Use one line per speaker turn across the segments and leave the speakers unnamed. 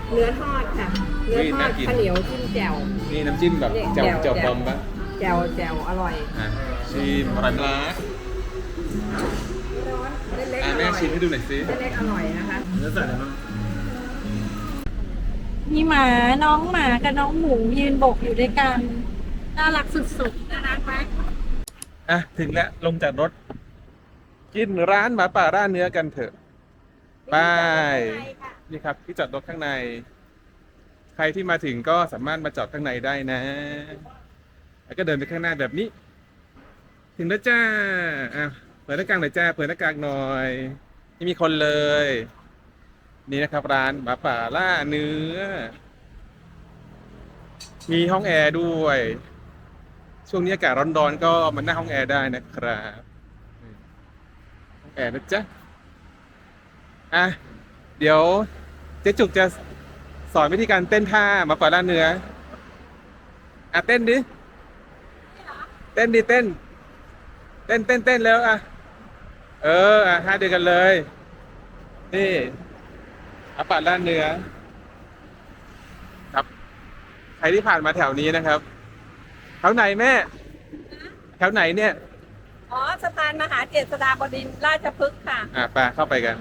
เนื้อทอดค่ะเนื้อทอดข้าวเหนียวจิ้มแจ่ว
นี่น้ำจิ้มแบบแจ่วบอมปะ
แจ่วอร่อย
ชิมอร่อยมาก
ร้อนเล็กๆอร่อย
แม่ชิมให้ดูหน่อยสิ
เล็กๆอร่อยนะคะ
เนื้อใส่อะไรบ้าง
มีหมาน้องหมากับน้องหมูยืนโบกอยู่ด้วยกันน่ารักสุดๆน่ารักไหม
ถึงแล้วลงจากรถ กินร้านหมาป่าร้านเนื้อกันเถอะไปนี่ครับที่จอดรถข้างใน ใครที่มาถึงก็สามารถมาจอดข้างในได้นะ แล้วก็เดินไปข้างหน้าแบบนี้ ถึงแล้วจ้าเปิดหน้ากากหน่อยจ้าเปิดหน้ากากหน่อยไม่มีคนเลย นี่นะครับร้านหมาป่าล่าเนื้อ มีห้องแอร์ด้วย ช่วงนี้อากาศร้อนๆก็มานั่งห้องแอร์ได้นะครับห้องแอร์นะจ๊ะเดี๋ยวเจ๊จุกจะสอนวิธีการเต้นท่าหมาป่าล่าเนื้อเต้นดิเต้นแล้วท่าเดียวกันเลยนี่หมาป่าล่าเนื้อครับใครที่ผ่านมาแถวนี้นะครับแถวไหนแม่แถวไหนเนี่ย
อ๋อสะพานมหาเจษฎาบดินทร์ราชพฤกษ์ค่ะ
ไปเข้าไปกัน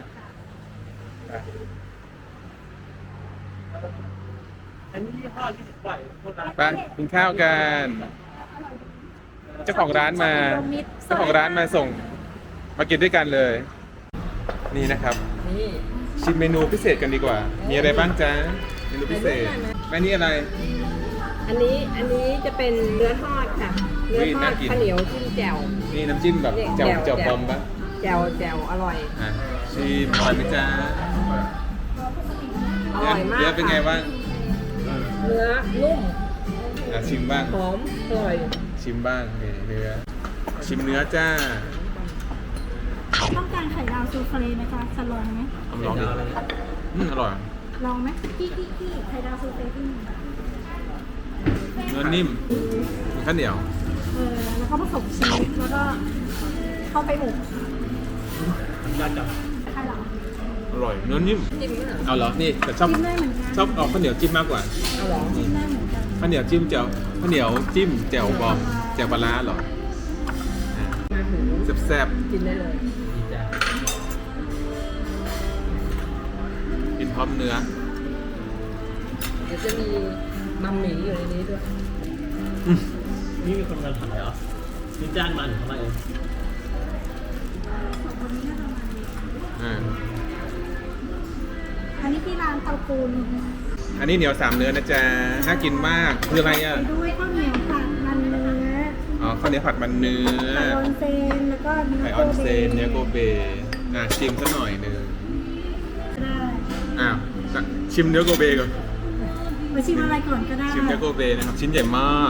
ไปกินข้าวกันเจ้าของร้านมาส่งมากินด้วยกันเลย นี่นะครับ
นี่
ชิมเมนูพิเศษกันดีกว่ามีอะไรบ้างจ๊ะเมนูพิเศษแม่นี่อะไร
อันนี้จะเป็นเนื้อทอดค่ะเนื้อทอดข้าวเหนียวจิ้มแจ่ว
นี่น้ำจิ้มแบบแจ่วบอมปะ
แจ่วอร่อย
ชิมอร่อยไหมจ๊ะ
อร่อยมาก
เยอะเป็นไงบ้าง
เนื้อนุ่ม
ชิมบ้าง
หอมอร่อย
ชิมบ้างนี่เนื้อชิมเนื้อจ้า
ต้องการไข่ดาวซูเฟ่ไหมคะจะลองไหม
ลองดิอร่อย
ลองไหมพี่ไข่ดาวซูเฟ่ที่
เนื้อนิ่มข้าวเหนียว
แล้วก็ผสมชีสแล้วก็เข้าไปอบใช่หรอ
อร่อยเนื้อนิ่ม
จิ้มไหม
เอาเหรอนี่แต่ชอบเอาข้าวเหนียวจิ้มมากกว่า
เอาเหรอ
จิ้มได้เหมือนกัน
ข้าวเหนียวจิ้มข้าวเหนียวจิ้มแจ่วบอมแจ่วปลาร้าเหรอแซ่บ
กินได้เลย
กินพร้อมเนื้อ
เดี๋ยวจะมีมัมหมี่อยู่ในนี้ด้วย
นี่มีคนมาถ่ายเหรอนี่จ้างมาหรือเขามาเอง
อันนี้ที่ร้านเตาปูน
อันนี้เหนียว3เนื้อนะจ๊ะน่ากินมากคืออะไร
ด้วยข้าวเหนียวผัดมันเนื้อ
ข้าวเหนียวผัดมันเนื้อ
ไข่ออนเซนแล้วก็
ไข่ออนเซนเนื้อโกเบชิมซะหน่อยนึงได้ชิมเนื้อโกเบก่อน
มาชิมอะไรก่อนก็ได้
ชิมเนื้อโกเบนะครับชิ้นใหญ่มาก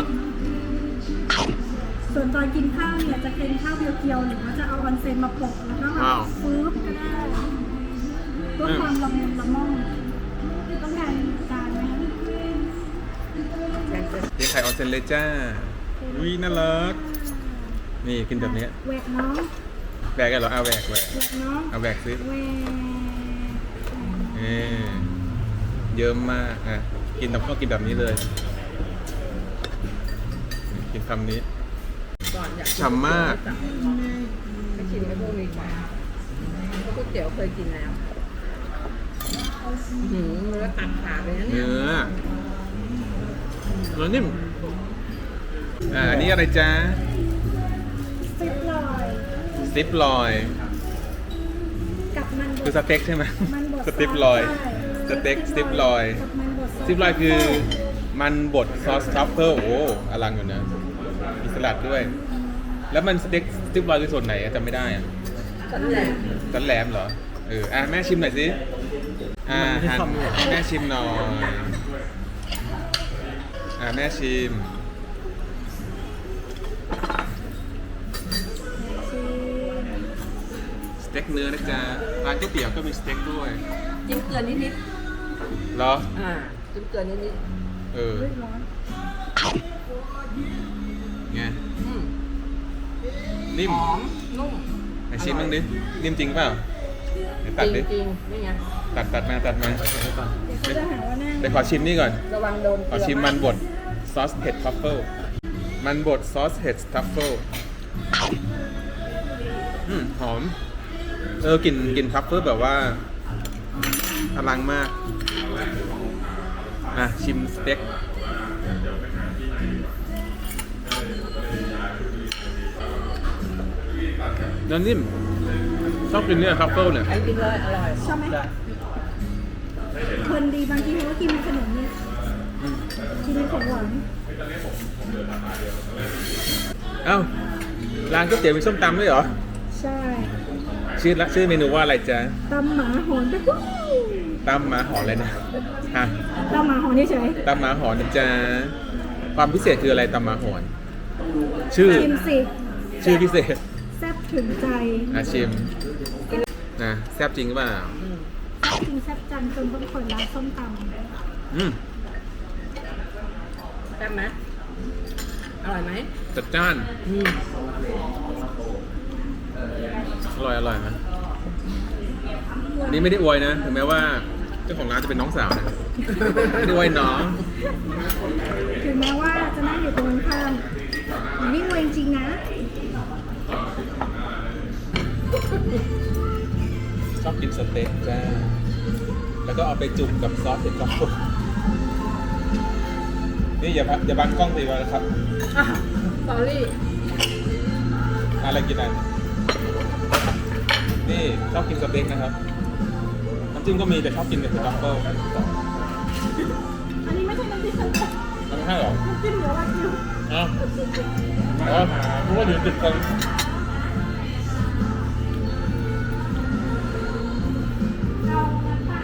ส่วนตอนกินข้าวเนี่ยจะเป็นข้าวเพียวๆหรือว่าจะเอาออนเซนมาโปะแล้วก็ฟื้นก็ได้เพื่อความละมุนละม่อมต้องการจานไหม
เรียกไข่ออนเซนเลยจ้าน่ารักนี่กินแบบนี้
แหวกน้อง
แหวกกันเหรอแหวก
น้อง
เอาแหวกซิ
แหวก
เยอะมากกินต้องกินแบบนี้เลยกินคำนี้ฉ่ำมาก
ไม่ชิมไม่พวกนี้ก่อนก๋วยเตี๋ยวเคยกินแล้วเนื้อตัดขาดเลยนะเนี่ย
เนื้อนิ่มอันนี้อะไรจ๊ะสติปลอย
กับมัน
คือสเต็กใช่ไหมสติปลอยสเต็กสติปลอยคือมันบดซอสทรัฟเฟิลโอ้อลังอยู่นะมีสลัดด้วยแล้วมันสเต็กสติปลอยคือส่วนไหนจำไม่ได้สันแหลมเหรอแม่ชิมหน่อยสิแม่ชิมหน่อยแม่ชิมสเต็กเนื้อนะจ๊ะร้านก๋วยเตี๋ยวก็มีสเต็กด้วย
จิ้มเกลือนิด
เหรอ
จิ้มเกลือนิด
ไงนิ่ม
หอมนุ่ม
ไหนชิมบ้างดินิ่มจริงเปล่าตัดดิ
จริงนี่ไง
ตัดมา
จะหาว่าหน้า
ดี๋ยวขอชิมนี่ก่อน
ระวังโดน
ขอชิมมันบดซอสเห็ดทรัฟเฟิลมันบดซอสเห็ดทรัฟเฟิลหอมกลิ่นทรัฟเฟิลแบบว่าอลังมากชิมสเต็กเนื้อนิ่มชอบกินเนี่ยทรัฟเฟิลเนี่ย
ไอ้กินเลยอร่อย
ชอบไหมคนดีบางทีเขาก็กินขนมนี่กินเป็นของหวาน
เอ้าร้านก๋วยเตี๋ยวมีส้มตำด้วยเหรอ
ใช่
ชื่อเมนูว่าอะไรจ๊ะ
ตำหมาหอนไปปุ๊บ
ตำหมาหอนเลยนะฮะ
ตำหมาหอนเฉย
ตำหมาหอนนะจ๊ะความพิเศษคืออะไรตำหมาหอน ชื่อ
ชิมสิ
ชื่อพิเศษ
แซ่บถึงใจ
ชิมแซ่บจริงหรือเปล่า
จริงแซ่บจังจนต้องเปิดร้านส้มตำ
แซ่บไหมอร่อยไหม
จัดจ้านอร่อยไหมนี่ไม่ได้อวยนะถึงแม้ว่าเจ้าของร้านจะเป็นน้องสาวนะไม่ได้อวยน้อง
ถึงแม้ว่าจะนั่งอยู่ตรงข้ามนี่เวงจริงนะ
ชอบกินสเต็กจ้าแล้วก็เอาไปจุ่มกับซอสเห็ดทรัฟเฟิลนี่อย่าบังกล้องสิวะนะครับ
สอรี่
อะไรกินอันนี่ชอบกินสเต็กนะครับน้ำจิ้มก็มีแต่ชอบกินแต่ทรัฟเฟิล
อันนี้ไม่ใช่น้ำจิ้มสเต็ก
มันไม่ใช่หรอ
น้ำจิ้มเหลือวากิว
อ้าวเพราะว่าเดี๋ยวติดกัน
เราน้ำปลา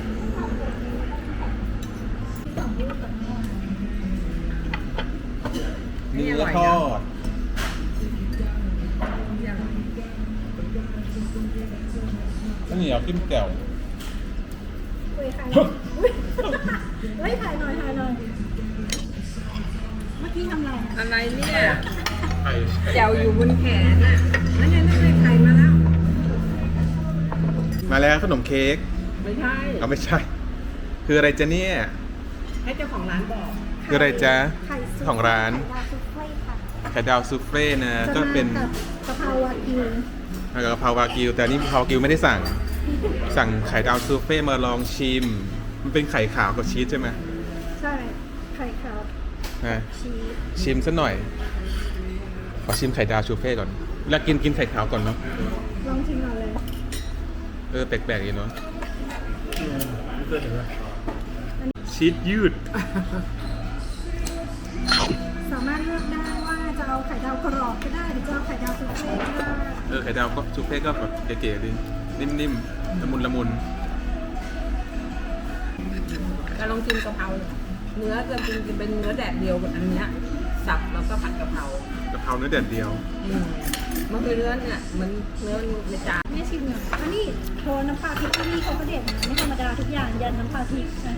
เนื้อทอดข้าวเหนียวจิ้มแจ่ว
เฮ้ยถ่ายเฮ้ยถ่ายหน่อยเมื่อกี้ทำอะไร
อะไรเนี่ย
ไข่
แจวอยู่บนแขนน่ะนั่นไข่มาแล้ว
มาแล้วขนมเค้ก
ไม่ใช่
เอาไม่ใช่ คืออะไรจ๊ะเนี่ย
ให้เจ้าของร้านบอก
คืออะไรจ๊ะ
ไข่ซุป
ของร้าน
ไข่ดาวซุปเฟ่ค่ะ
ไข่ดาวซูเฟ่นะ
จะ
ก็
มา
เป็น
กับกะเพราวากิว
กะเพราวากิวแต่นี่กะเพราวากิวไม่ได้สั่งไข่ดาวซูเฟ่มาลองชิม มันเป็นไข่ขาวกับชีสใช่ไหม
ใช่ไข่ขาว
นะ
ชีส
ชิมซะหน่อย ขอชิมไข่ดาวซูเฟ่ก่อนเวลากินไข่ขาวก่อนเนาะ
ลองชิมก่อนเลย
แปลกๆดีเนาะ
ไม่เคยเห็นเลย
ชีสยืด
สามารถเลือกได้ว่าจะเอาไข่ดาวกรอบก็ได้หรือจะเอาไข่ดาวซุปเฟ่ก็ได้
ไข่ดาวก็ซูเฟ่ก็แบบเก๋ๆดีนิ่มๆละมุน
จะลองกินกะเพราเนื้อจะเป็นเนื้อแดดเดียวแบบอันเนี้ยสับแล้วก็ผัดกะเพราก
ะเพราเนื้อแดดเดียว
มันคือเนื้อเนี่ยเหมือนเนื้อในจาน
ไม่ชิมหน่อยอันนี้โทนน้ำปลาพริกที่นี่เขาก็เด็ดนะไม่ธรรมดาทุกอย่างยันน้ำปลาพริกนะ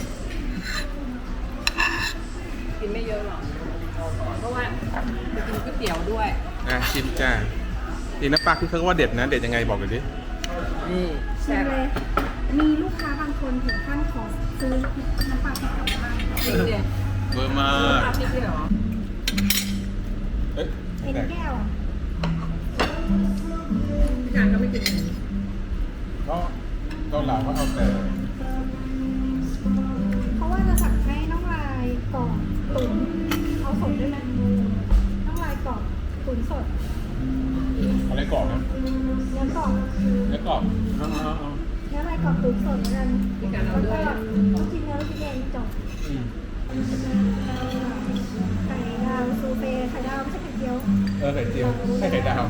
กินไม่เยอะหรอกเพราะว่าจะกินก๋วยเตี๋ยวด้วย
ชิมจ้าดีน้ำปลาที่เขาว่าเด็ดนะ เด็ดยังไงบอกเลยดิ
นี่
ชิ
แซ่
ม
บ
เลยมีลูกค้าบางคนถึงขั้นขอซื้อน้ำปลาพริกกลับบ้าน
จริงดิ
เบอร์มา
ปลาพริกด้วยเหรอ
เอ้ย
เอ็นแก้ว
พี่การก็ไม่กิน
ก็เกาเหลาเขาเอาแต่
เพราะว่าจะสั่งให้น้องลายกรอบตุ๋นเอาสดด้วยไหมน้องลายกรอบตุ๋นสด
อะไรกรอบนะ
เนื้อกรอบ
เนื้อกรอบ
เนื้อลายกรอบตุ๋นสดเหมือนกัน
พี่การเอา
แล้ว
ด้
ก็
วย
ลูกชิ้นเนื้อลูกชิ้นเองจบไข่ดาวซูเฟ่ไข่ดาวไม่ใช่ไข่เจียว
ไข่เจียวใช่ไข่ดาว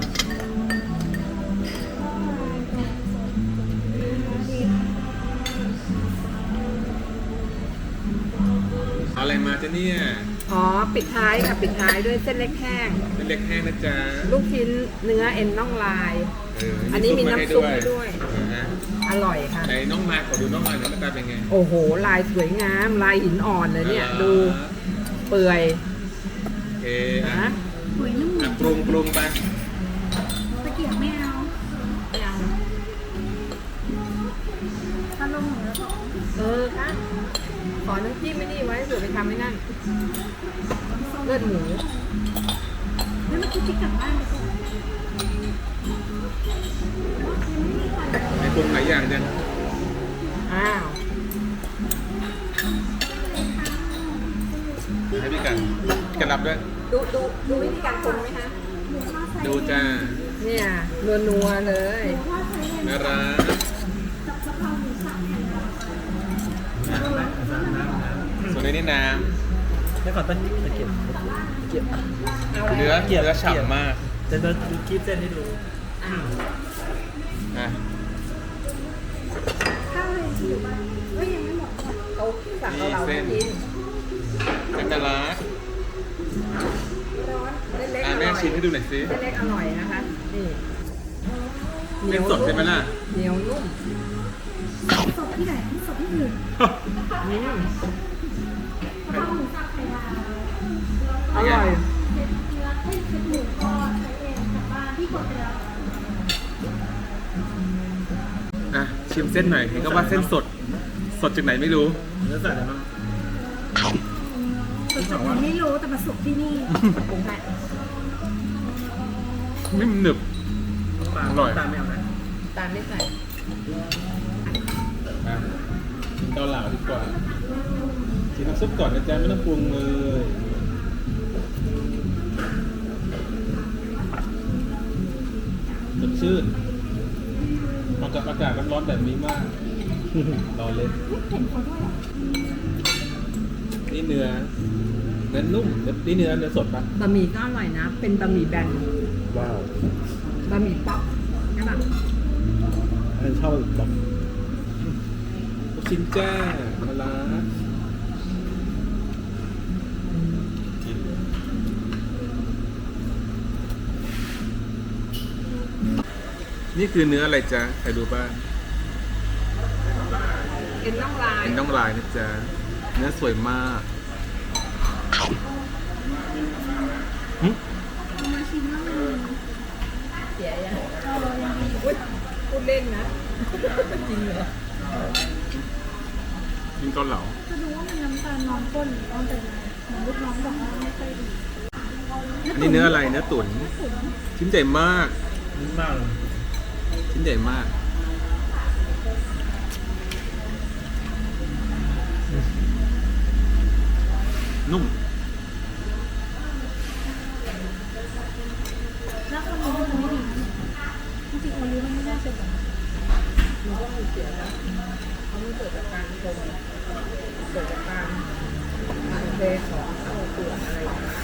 เอาอะไรมาจ๊ะเนี่ย
อ๋อปิดท้ายค่ะปิดท้ายด้วยเส้นเล็กแห้ง
เป็นเล็กแห้งนะจ๊ะ
ลูกชิ้นเนื้อเอ็นน่องลาย อันนี้มีน้ำซุปให้ด้วย อร่อยค่ะ
ไหนน้องลายขอดูน้องลายหน่อยหน้าตาเป็นไง
โอ้โห ลายสวยงาม ลายหินอ่อนเลยเนี่ย ดูเปื่อย
โอเค
นะ
หวยนุ่ม
ปรุงไป
ตะเกียบไม่เอา
ไม่เอา
ถ้าลงเหนือ
ค่ะ ขออน้ำจิ้มไม่นี่ไว้เผื่อไปทำให้นั่นเลือดหมู
แล้วเมื่อกี้ที่กลับบ้านไปก่อนยังไม่มีใคร
ในปรุงหลายอย่างจัง
อ้าว
ให้พี่กันรับด้วย
ดูวิธีการปรุงไหมคะ
หมูทอดใส่
ดูจ้า
เนี่ยนัวๆเลย
หมูทอดใส่เอง
น่ารัก
กับกะเพราหมูสับไข่ดาว
ส่วนในนี้น้
แล้วก่อนตะเกียบเกียบ
เอา
ำ
อะไร
เนื้อฉ่ำมาก
จะดูคลิปเส้นให้ดู
อ้าว
อ่ะ
ข้าวเลยที่อยู่บ้านเอ้ยยังไม่หมดค่ะ
เขาสั่งเราไม่กิน
เป็นน่ารัก
ร้อนเล็กๆ
อ่ะ
อ
แม่
ร่อย
ชิมให้ดูหน่อยสิ
เล็กๆอร่อยนะคะนี่
เป็นสดใช่ไหมล่ะ
เหนียวนุ่ม
สดที่ไหนสดที่อื่น
อืม
กะเพราหมูสับไข่ดาว
อร่อย
เผ็ดเนื้อเผ็ดหมูทอดใส่เองกลับบ้านที่กดไปแล้ว
อ่ะชิมเส้นหน่อยเห็นก็ว่าเส้นสด สดจากไหนไม่รู้
เนื้อสัตว์อะไรบ้าง
สดจากไหนไม่รู้แต่มาสุกที่นี่
ปรุงให้
ไม่หนึบ อร่อย
ตามไม่เอานะ
ตามไม่ใส่
อ่ะกินเกาเหลาดีกว่าชิมน้ำซุปก่อนนะจ๊ะไม่ต้องปรุงเลยสดชื่นเหมาะกับอากาศร้อนๆแบบนี้มาก รอเล่น
เห็นเขาด้วยเหรอ
นี่เนื้อนุ่มนี่เนื้อสดปะ
บะหมี่ก็อร่อยนะ เป็นบะหมี่แบน
ว้าว
บะหมี่ป๊อกใช่ปะ
อันชอบแบบ
ลูกชิ้นแจ้มาลากินนี่คือเนื้ออะไรจ๊ะใครดูบ้าง
เอ็นน่องลาย
เป็นน้องลายนะจ๊ะเนื้อสวยมากหึ
เอามาชิมบ้างเลย
เสียยัง
ยังดี
อุ๊ยพูดเล่นนะ จริงเหรอ
กินเกาเหลา
จะดูว่ามันน้ำตาลน้องก้นหรือว่าเป็นอะไรเหมือนลูกน้องบอกว่าไม่ค่อยดี
อันนี้เนื้ออะไรเนื้อตุ๋น
ตุ๋น
ชิ้นใหญ่มาก
นิ่มมากเลย
ชิ้นใหญ่มากนุ่ม
แล้วคนนี้มันไม่ดีจริงๆโอลิฟมันไม่น่าเป็นแบบนั้น
มันก็มีเสียนะเขาไม่เกิดจากการชงเกิดจากการอันเทของเข้าเปลือกอะไรอย่างเงี้ย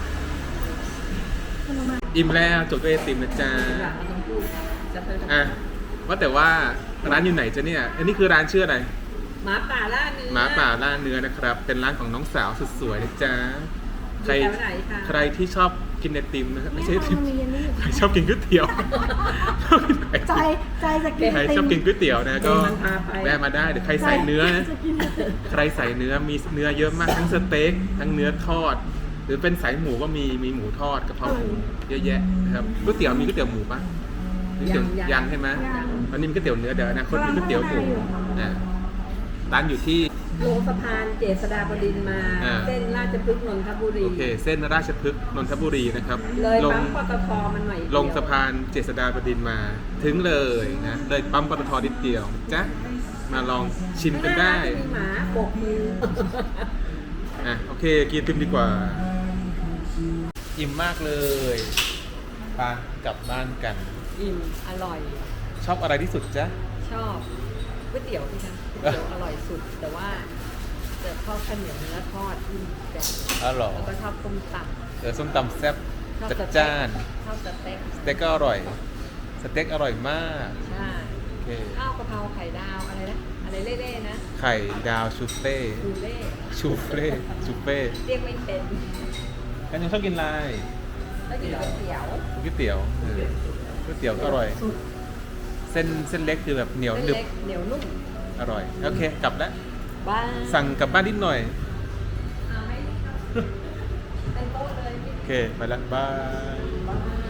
มันมา
อิ่มแล้วจบด้วยไอติมนะจ๊ะ
หลังเราต้องพูดจะเป็น
อ่ะว่าแต่ว่าร้านอยู่ไหนจ๊ะเนี่ย อันนี้คือร้านชื่ออะไร
หมาป่าล่าเนื้อ
หมาป่าล่าเนื้อนะครับ เป็นร้านของน้องสาวสุดสวยนะจ๊ะ ใคร
อยู่แถวไหนคะ
ใครที่ชอบกินไอติมนะครับไม่ใช่ไอติม
มันมีเยลลี่
ใครชอบกินก๋วยเตี๋ยว
ใจจะกิน
ใครชอบกินก๋วยเตี๋ยวนะก็
มันพาไป
แวะมาได้เดี๋ยวใครใส่เนื้อนะ
จะกิน
ใครใส่เนื้อมีเนื้อเยอะมากทั้งสเต็กทั้งเนื้อทอด หรือเป็นสายหมูก็มีหมูทอดกะเพราหมูเยอะแยะนะครับก๋วยเตี๋ยวมีก๋วยเตี๋ยวหมูปะมีก๋วยเตี๋ยวยังใช่ไหมอันนี้มีก๋วยเตี๋ยวเนื้อเดี๋ยวอนะคนมีก๋วยเตี๋ยวหมูอ่ะร้านอยู่ที่
ลงสะพานเจษฎาบดินทร์มา
อ่า
เส้นราชพฤกษ์นนทบุรี
โอเค เส้นราชพฤกษ์นนทบุรีนะครับ
เลย
ลง
ปั๊มปตทมันหน่อยเดียว
ลงสะพานเจษฎาบดินทร์มาถึงเลยนะเลยปั๊มปตทนิดเดียวจ้ะมาลองชิมกันได้
ข้างหน้าจะมีหมาโบกมือ
อ่ะโอเคกินติมดีกว่า อิ่มมากเลยไปกลับบ้านกัน
อิ่มอร่อย
ชอบอะไรที่สุดจ๊ะ
ชอบก๋วยเตี๋ยวพี่คะก๋วยเตี๋ยวอร่อยสุด แต่ว่าจะชอบข้าวเหนียวเนื้อทอดที่แบบ
อ๋อเหรอ
แล้วก็ชอบต้มต
เดี๋ยวส้มตำแซ่บ
ำชอบ
จัด
สเต็ก
จ้าน
ชอบสเต็ก
สเต็กก็อร่อย สเต็กอร่อยมาก
ใช่
โอเค
ข้าวกะเพราไข่ดาวอะไรนะอะไรเล่ๆนะ
ไข่ดาวชูเฟ่
ดูเล่
ชูเฟ่ชูเฟ่
เรียกไม่เป็น
กันยังชอบกินอะไร
แล้วกินก๋วยเตี๋ยว
ก๋วยเตี๋ยวก๋วยเตี๋ยวก็อร่อย เส้นเล็กคือแบบเหนียว
เส้น
ดึบ
เล็กเหนียวนุ่ม
อร่อย โอเค กลับแล้ว
บ้าน
สั่งกลับบ้านนิดหน่อย
เอาไหมเป็นโต๊ะเลยพี่
โอเค ไปแล้วบาย
บ้าน